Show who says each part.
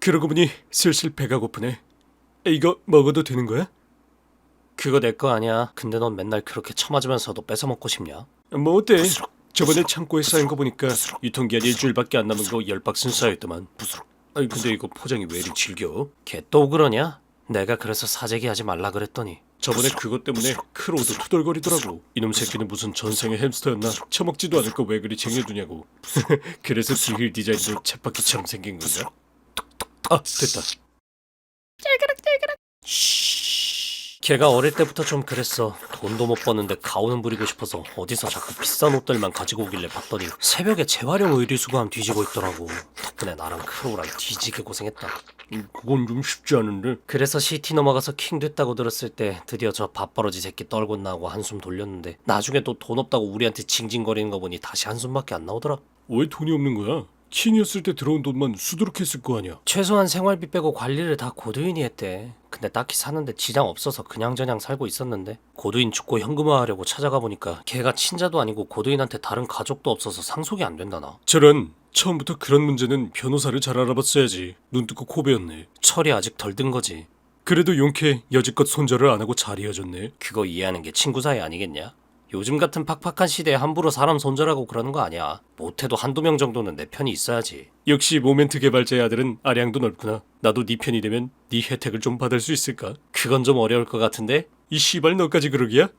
Speaker 1: 그러고 보니 슬슬 배가 고프네. 이거 먹어도 되는 거야?
Speaker 2: 그거 내 거 아니야. 근데 넌 맨날 그렇게 처맞으면서도 뺏어 먹고 싶냐?
Speaker 1: 뭐 어때? 저번에 창고에 쌓인 거 보니까 유통기한 일주일밖에 안 남은 거 10박스는 쌓였더만. 아니 근데 이거 포장이 왜 이리 질겨?
Speaker 2: 걔 또 그러냐? 내가 그래서 사재기 하지 말라 그랬더니.
Speaker 1: 저번에 그것 때문에 크로우도 투덜거리더라고. 이놈 새끼는 무슨 전생의 햄스터였나? 처먹지도 않을 거 왜 그리 쟁여두냐고. 그래서 뒤힐 디자인도 쳇바퀴처럼 생긴 건가? 아 됐다.
Speaker 2: 걔가 어릴 때부터 좀 그랬어. 돈도 못 버는데 가오는 부리고 싶어서 어디서 자꾸 비싼 옷들만 가지고 오길래 봤더니 새벽에 재활용 의류수거함 뒤지고 있더라고. 덕분에 나랑 크로우랑 뒤지게 고생했다.
Speaker 1: 그건 좀 쉽지 않은데.
Speaker 2: 그래서 시티 넘어가서 킹 됐다고 들었을 때 드디어 저 밥버러지 새끼 떨고 나고 한숨 돌렸는데 나중에 또 돈 없다고 우리한테 징징거리는 거 보니 다시 한숨밖에 안 나오더라.
Speaker 1: 왜 돈이 없는 거야? 킹이었을 때 들어온 돈만 수두룩했을 거 아니야.
Speaker 2: 최소한 생활비 빼고 관리를 다 고두인이 했대. 근데 딱히 사는데 지장 없어서 그냥저냥 살고 있었는데 고두인 죽고 현금화하려고 찾아가 보니까 걔가 친자도 아니고 고두인한테 다른 가족도 없어서 상속이 안 된다나.
Speaker 1: 저런, 처음부터 그런 문제는 변호사를 잘 알아봤어야지. 눈 뜨고 코 베었네.
Speaker 2: 철이 아직 덜 든 거지.
Speaker 1: 그래도 용케 여지껏 손절을 안 하고 잘 이어졌네.
Speaker 2: 그거 이해하는 게 친구 사이 아니겠냐? 요즘 같은 팍팍한 시대에 함부로 사람 손절하고 그러는 거 아니야. 못해도 한두 명 정도는 내 편이 있어야지.
Speaker 1: 역시 모멘트 개발자의 아들은 아량도 넓구나. 나도 네 편이 되면 네 혜택을 좀 받을 수 있을까?
Speaker 2: 그건 좀 어려울 것 같은데?
Speaker 1: 이 씨발 너까지 그러기야?